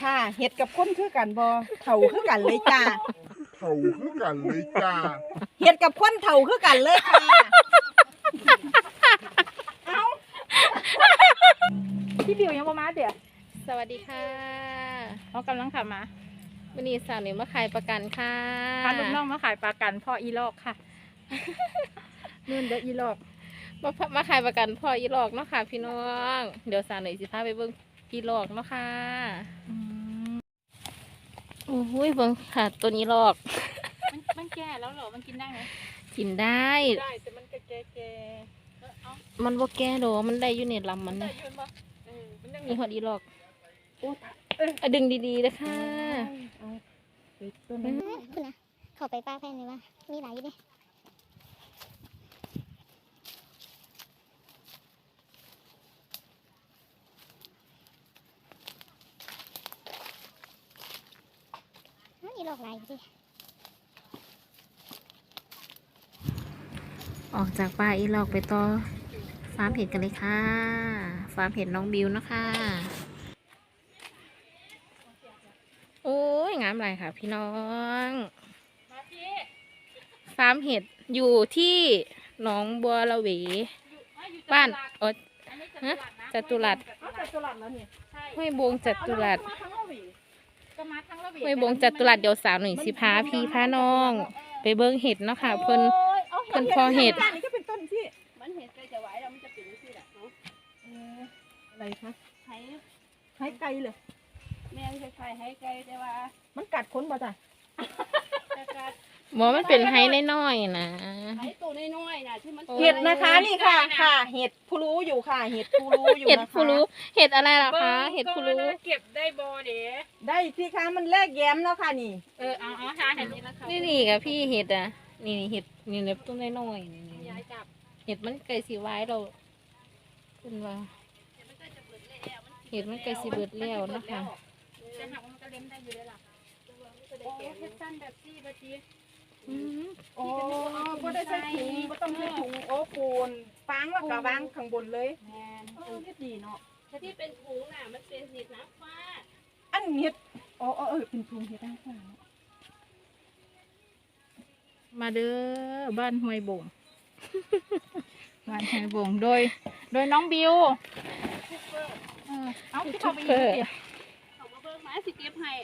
ค่ะเห็ดกับคนคือกันบ่เฒ่าคือกันเลยจ้าเห็ดกับคนเฒ่าคือกันเลยค่ะพี่บิวยังบ่มาเดี๋ยวสวัสดีค่ะเขากำลังขับมาวันนี้สาวหนิวมาขายประกันค่ะพาลูกน้องมาขายปลากันพ่ออีลอกค่ะนู่นเด้ออีลอกมาขายประกันพ่ออีหลอกเนาะค่ะพี่น้องเดี๋ยวสาวหนิวสิพาไปเบิ่งอีหลอกเนาะค่ะโอ้โหเบิ่งค่ะตัวนี้หลอกมันแก่แล้วเหรอมันกินได้ไหมกินได้ได้แต่มันก็แก่เอามันบ่แก่ดอกมันได้อยู่ในลำมันได้นะยืนบ่มันยังมีหอดอีหลอกโอ้อะดึงดีๆนะคะคุณนะเข้าไปป้าแพนเลยว่ามีหลายอยู่เด้อีหลอกหลายอยู่ดิออกจากป่าอีหลอกไปต่อฟาร์มเห็ดกันเลยค่ะฟาร์มเห็ดน้องบิวนะคะโอ้ยงามไรค่ะพี่น้องฟาร์มเห็ดอยู่ที่หนองบัวละเวบ้านฮะจตุรัสจัตุรัสแล้วนี่ห้วยบงจตุรัสมาทั้งละหวีก็มาทั้งละหวีห้วยบงจตุรัสเดี๋ยวสาวหนึ่งสิพาพี่พาน้อง ไปเบิ้งเห็ดเนาะค่ะเพิ่น เพิ่นพอเห็ดนี่ก็เป็นต้นที่มันเห็ดใกล้จะไหวแล้วมันจะเป็นที่แหละเนาะอะไรคะให้ให้ไกลเลยแม่งจะใครให้ไกลแต่ว่ามันกัดคนบ่จ้ะจะกัดหมอมันเป็นไฮน้อยๆนะให้ตัวน้อยๆน่ะที่มันเห็ดนะคะนี่ค่ะค่ะเห็ดผู้รู้อยู่ค่ะเห็ดผู้รู้อยู่เห็ดนะคะผู้รู้เห็ดอะไรล่ะคะเห็ดผู้รู้เก็บได้บ่เด้ได้สิคะมันแลกแย้มแล้วค่ะนี่เอาหาเห็ดนี้แล้วค่ะนี่กับพี่เห็ดอ่ะนี่เห็ดนี่เล็บต้นน้อยๆนี่ยายจับเห็ดมันไก่สีไว้เราคุณว่าเห็ดมันไก่สีเบิดแล้วนะคะจะหักมันก็เล็มได้อยู่เลยล่ะโอ้เฮ็ดสั้นแบบซี่บะจีโอ้บ่ได้ใส่ถุงบ่ต้องใส่ถุงโอ้ปูนฟางแล้วก็วางข้างบนเลยแม่นเฮ็ดดีเนาะที่เป็นถุงน่ะมันเป็นเห็ดน้ำฟ้าอันเห็ดเป็นถุงเห็ดต่างมาเด้อบ้านห้วยบงบ้านห้วยบงโดยน้องบิวเอาที่เขาไปยิงเสียเขามาเบิ่งมาสิเก็บให้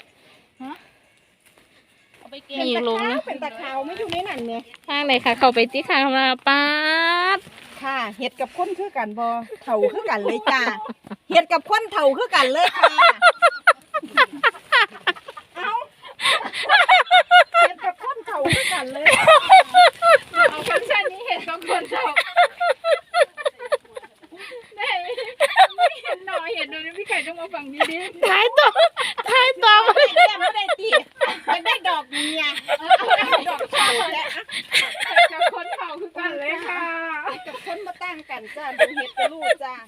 เอาไปเก็บมีลงนะเป็นตะขาวไม่อยู่ในนั่นเนี่ยข้างไหนค่ะเข้าไปที่ข้างมาป้าดค่ะเห็ดกับคนคือกันบ่เฒ่าคือกันเลยจ้าเห็ดกับคนเฒ่าคือกันเลยค่ะเอาเห็ดกับคนเฒ่าคือกันเลยเอาฟังก์ชันนี้เห็นบางคนชอบได้ไม่เห็นหน่อยเห็นดูนี่พี่ไก่ต้องมาฟังดีท้ายตัวไม่ได้ไม่ได้ตีมันได้ดอกเมียดอกเฒ่าและๆกับคนเผาคือกันเลยค่ะกับคนมาตั้งกันจ้าดูเห็ดกับลูกจ้า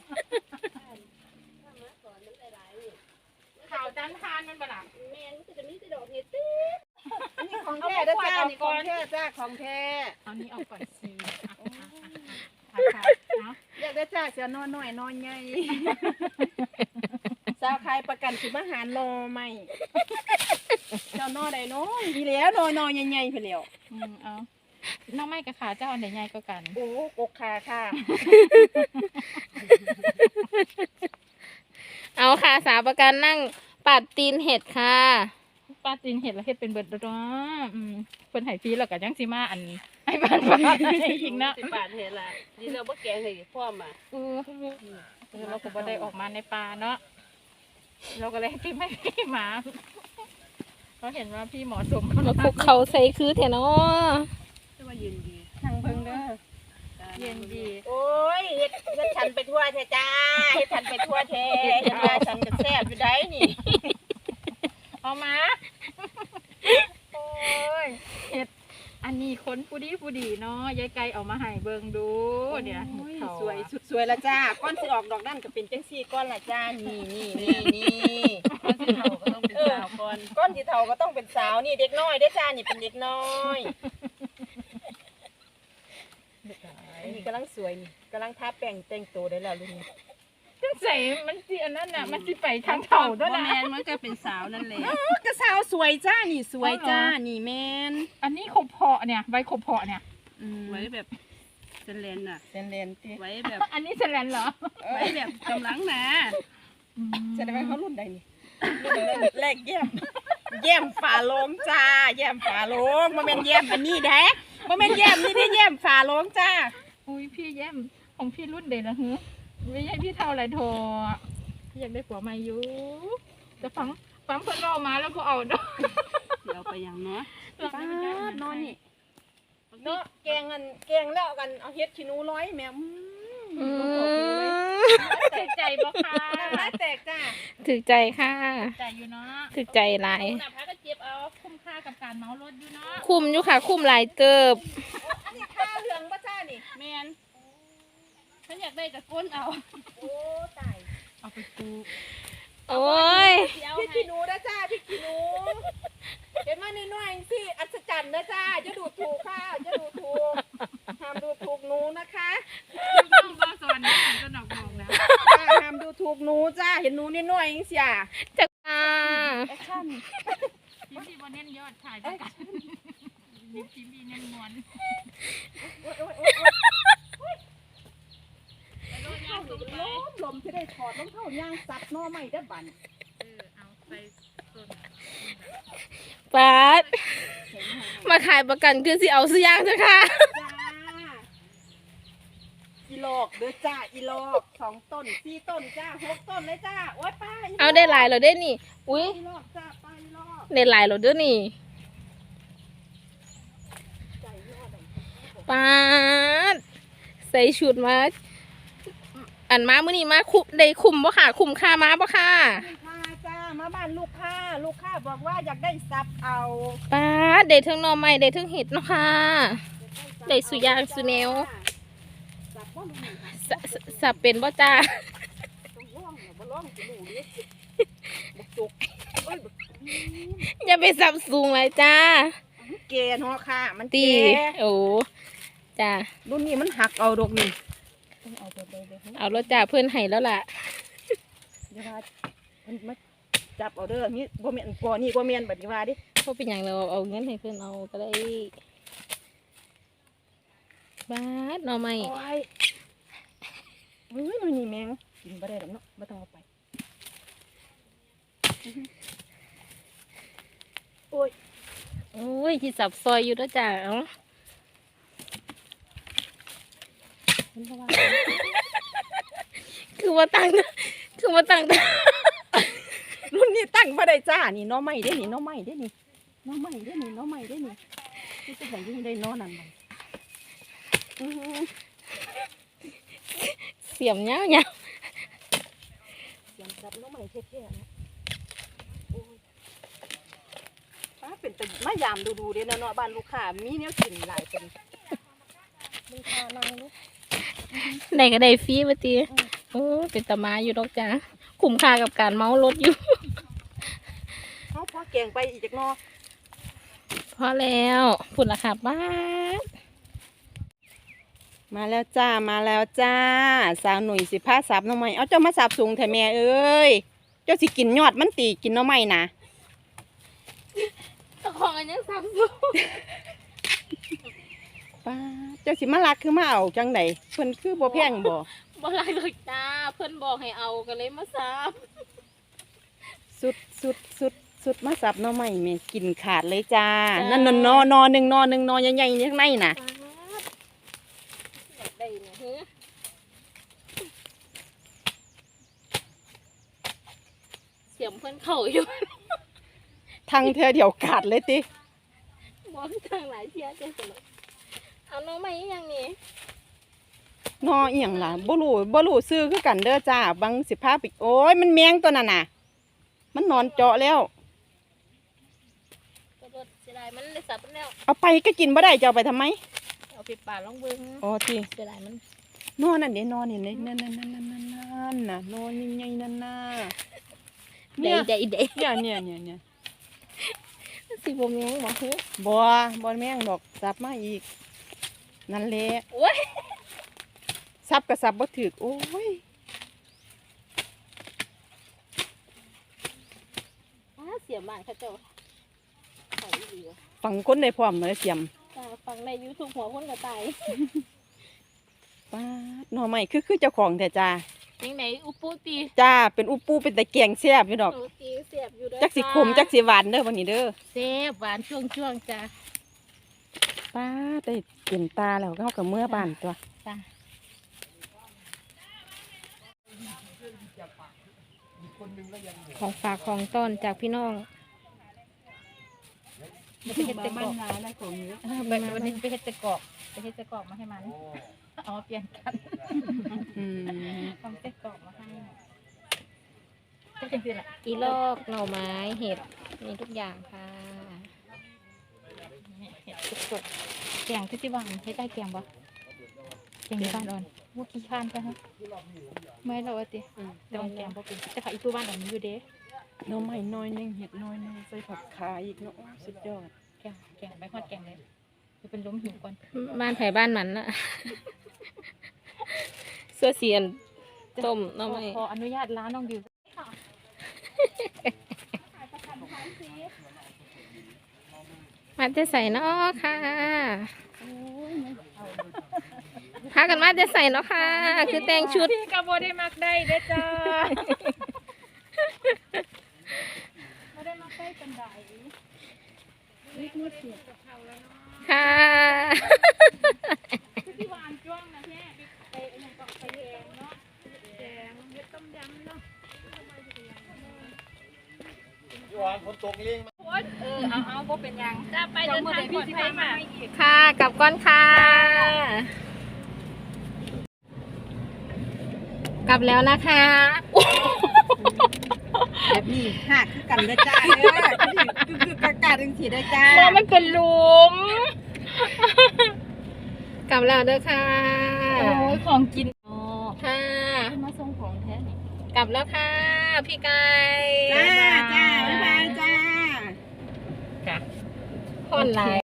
ข่าวจันทานมันบ่ล่ะแม่นมันก็จะมีแต่ดอกเห็ดติ๊ดนี่ของแท้เด้อจ้านี่ของแท้จ้าของแท้เอานี้ออกก่อนสิเนาะอยากได้จ้าเสียนอนหน่อยนอนใหญ่สาวขายประกันสิมาหารนอใหม่เจ้านอใดน้องดีแล้วนอใหญ่ๆไปแล้วเอาน้องไม่กับขาเจ้าอันไหนใหญ่กว่ากันโอ้กกขาค่ะเอาค่ะสาวประกันนั่งปัดตีนเห็ดค่ะป้าตีนเห็ดแล้วเห็ดเป็นเบิดแล้วเนาะเป็นไหฟีแล้วกับยังซีมาอันไอ้บ้านอีกเนาะ 10 บาทเห็ดละนี่เราบ่แกงให้พร้อมอ่ะเราก็บ่ได้ออกมาในป่าเนาะเราก็เลยให้ไม่พี่หมาเขาเห็นว่าพี่หมอสมมาคุกเขาใส่คือเถอะเนาะแต่ว่ายืนดีทางเพิ่งเด้อเย็นดีโอ้ยเฮ็ดฉันไปทั่วแท้จ้าเฮ็ดฉันไปทั่วแท้เฮ็ดว่าฉันก็แซ่บอยู่ได้นี่เอามาโอ้ยเห็ดอันนี้คนผู้ดีเนาะยายไก่เอามาให้เบิ่งดูเนี่ยโอ้ยเขาสวยสุดสวยละจ้าก้อนสิออกดอกนั่นก็เป็นจังซี่ก้อนละจ้านี่คนที่เขาก็ต้องเป็นสาวก่อนก้อนที่เฒ่าก็ต้องเป็นสาวนี่เด็กน้อยได้อจ้านี่เป็นเด็กน้อยนี่กำลังสวยนี่กำลังทาแป้งแต่งตัวได้แล้วลูกนี่จังใส่มันสิอันนั้นน่ะมันสิไปทางเฒ่าด้วยบ่นะแม่นมันก็เป็นสาวนั่นแหละกระสาวสวยจ้านี่สวยจ้านี่แมนอันนี้ขบเพาะเนี่ยใบขบเพาะเนี่ยไว้แบบเซนเลนน่ะเซนเลนติไว้แบบอันนี้แสลนเหรอไว้แบบกำลังนะแสดงว่าเขารุ่นใดนี่รุ่นแรกแย้มฝาโลงจ้าแย้มฝาโลงบ่แม่นแย้มอันนี้แท้บ่แม่นแย้มนี่ได้แย้มฝาโลงจ้าอุ้ยพี่แย้มของพี่รุ่นเด็กละฮึไม่ใช่พี่เท่าไรโทพี่อยากได้ผัวใหม่อยู่แต่ฟังเพิ่นเอามาแล้วก็เอาดอกเดี๋ยวไปอย่างเนาะป้านอนนี่เนาะแกงแล้วกันเอาเฮ็ดขี้หนูร้อยแม่ติดใจบ่ค่ะน้ำแตกจ้าถึกใจค่ะใจอยู่เนาะถึกใจหลายหน้าพักก็เจ็บเอาคุ้มค่ากับการเมารถอยู่เนาะคุ้มอยู่ค่ะคุ้มหลายเติบอันนี้ข้าวเหลืองป่ะจ้านี่แม่นฉันอยากได้กับก้นเอาโอ้ตายเอาไปปลูกโอ้ยเดี๋ยวพี่ให้ขี้หนูนะจ้าพี่ขี้หนูเห็นมาน้อยๆสิอัศจรรย์นะจ้าจะดูถูกค่ะจะดูถูกห้ามดูถูกหนูนะคะต้องบ่สอนนะก็ดอกบอกแล้วห้ามดูถูกหนูจ้าเห็นหนูน้อยๆเสียจักอ่าแอคชั่นพี่สิบ่เน้นยอดขายจังกันพี่มีเน้นมวนลมที่ได้ถอดรองเท้าย่างซับหน้อใหม่ได้บันเอาไปต้นปาดมาขายประกันคือสิเอาซื้อย่างเถอะค่ะจ้าอีหลอกเด้อจ้าอีหลอก2 ต้น4 ต้นจ้า6 ต้นเลยจ้าโอ๊ยป้าเอาได้หลายแล้วเด้นี่ อุ้ยอีหลอกจ้าป้าอีหลอกได้หลายแล้วเด้อนี่ปาดใส่ชุดมาอันมามื้อนี้มาคุได้คุ้มบ่ค่ะ คุ้มค่ามาบ่ค่ะลูกค้าจ้ามาบ้านลูกค้าบอกว่าอยากได้ซับเอาปาดได้ทั้งหน่อไม้ได้ทั้งเห็ดเนาะค่ะ ได้สุยางสุแนวซับบ่รู้นี่ค่ะสับเป็นบ่จ้าต้องร้องเหรอบ่ร้องสิหนูดิบักจุกเอ้ยบักอย่าไปสับสูงเลยจ้าเกเนาะค่ะ มันตีเกโอ้จ้ารุ่นนี้มันหักเอาดอกนี่ต้องเอาไปเลยเอารถจ้าเพื่อนให้แล้วล่ะเดี๋ยวว่ามันมาจับเอาเด้อนี่บ่แม่นกอนี่บ่แม่นบัดนี้ว่าดิเพราะเป็นอย่างเราเอาเงินให้เพื่อนเอาก็ได้บาดหน่อไม้โอ้ยเฮ้ยมันนี่แมงกินบ่ได้ดอกเนาะบ่ต้องเอาไปโอ้ยโอ้ยที่สับซอยอยู่แล้วจ้าเอาเห็นบ่ว่าคือว่าตั้งรุ่นนี้ตั้งบ่ได้จ้านี่หน้อไม้เด้นี่หน้อไม้เด้นี่หน้อไม้เด้นี่หน้อไม้เด้นี่นี่จะให้อยู่ได้หน้อนั่นมันอื้อหือเสียมเนี้ยเนี่ยยำจับหน้อไม้เท่ๆนะโอ้ยป้าเป็นแต่มายามดูๆเด้เนาะบ้านลูกค้ามีแนวกินหลายเป็นลูกค้านางลูกได้ก็ได้ฟรีมาตีโอ้เป็นตามาอยู่ดอกจ้าคุ้มค่ากับการเมารถอยู่เอาพอแกงไปอีกจักหนอพอแล้วพุ่นละค่ะบ้านมาแล้วจ้ามาแล้วจ้าสาวหนุ่ยสิพาสับหน่อไม้เอาเจ้ามาสับสูงแท้แม่เอ้ยเจ้าสิกินยอดมันตีกินหน่อไม้นะของอันยังสับสูงป้าเจ้าสิมาลักคือมาเอาจังไดเพิ่นคือบ่แพงบ่บ่ไรหรอกจ้าเพื่อนบอกให้เอาก็เลยมาสับสุดมาสับหน่อไม้แม่กินขาดเลยจ้านั่นนอหนึ่งนอใหญ่ๆข้างในน่ะอยากได้เนี่ยเฮ้ยเสียมเพื่อนเข่าอยู่ทางเธอเดี๋ยวขาดเลยติบอกทางหลายเที่ยจังสนุกเอาน้องมาอีกอย่างนี้นออีหยังล่ะบ่รู้ซื้อคือกันเด้อจ้าบางสิพาไปโอ้ยมันแมงตัวนั้นน่ะ มันนอนเจาะแล้วกระโดดเสียดายมันเลยสับมันแล้วเอาไปก็กินบ่ได้จะเอาไปทำไมเอาไปป่าลองเบิ้งอ๋อติเสียดายมันนอนั่นเด้นอนี่นั่นน่ะนอนใหญ่ๆนั่นน่ะได้ได้ได้เนี่ยสิบโมงยังบอกเฮ้ยบ่แม่งดอกสับมาอีกนั่นแหละโอ้ยสับก็สับบ่ถึกโอ้ยเสียมบ้านเขาเจ้าเขาดีวะฟังคนในพร้อมเลยเสียมจ้าฟังใน YouTube หัวคนกระต่ายป้าดหน่อไม้คือเจ้าของแต่จ้ายังไหนอุปูตีจ้าเป็นอุปูเป็นตะแกงแซ่บอยู่ดอกโอ้ตีเสียบอยู่ด้วยจักสิขมจักสิหวานเด้อวันนี้เด้อเสียบหวานช่วงจ้าป้าดได้เต็มตาแล้วเฮากับเมื่อบ้านตัวจ้า ของฝากของต้นจากพี่น้องไปเฮ็ดตะกอกวันนี้ไปเฮ็ดตะกอกไปเฮ็ดตะกอกมาให้มันเอามาเปลี่ยนกันอืมทำตะกอกมาให้ก็จังซี่ล่ะอีลอกหน่อไม้เห็ดมีทุกอย่างค่ะนี่เห็ดสดๆแกงที่บ้านเฮ็ดได้แกงบ่แกงที่บ้านอ่อนว่าขี้ข้านกันฮะไม่เราติแต่ว่าแกงบ่เป็นแต่ค่ะอีตัวบ้านอ่อนมีอยู่เด้หน่อไม้น้อยหนึงเห็ดน้อยหนึงใส่ผักขาอีกเนาะสุดยอดแกงไม่ฮอดแกงเลยจะเป็นล้มหิวก่อนบ้านไผ่บ้านมันน่ะ เสื้อเสียนต้มหน้ำไม้ขออนุญาตร้านน้องบิวมาจะใส่เนาะค่ะพากันมาจะใส่เนาะค่ะ คือแต่งชุดพี่กระโบได้มักได้เด้อจ้าไม่ได้มักได้กันไดค่ะที่วานจ้วงนะแม่ไปอย่างก็ไปแกงเนาะแกงเฮ็ดต้มยำเนาะ เอาบ่เป็นยังจะไปเดินทางปลอดภัยมาค่ะกลับก้อนค่ะ กลับแล้วนะคะแบบนี้หักคือกันเด้อจ้าเด้อคือกากาจังสิได้จ้าเพราะมันเป็นหลุม กลับแล้วเด้อค่ะโอ้ยของกินค่ะมาส่งของแท้นี่กลับแล้วค่ะ พี่ไก่จ้าจ้าบ๊ายบายจ้าคนหลาย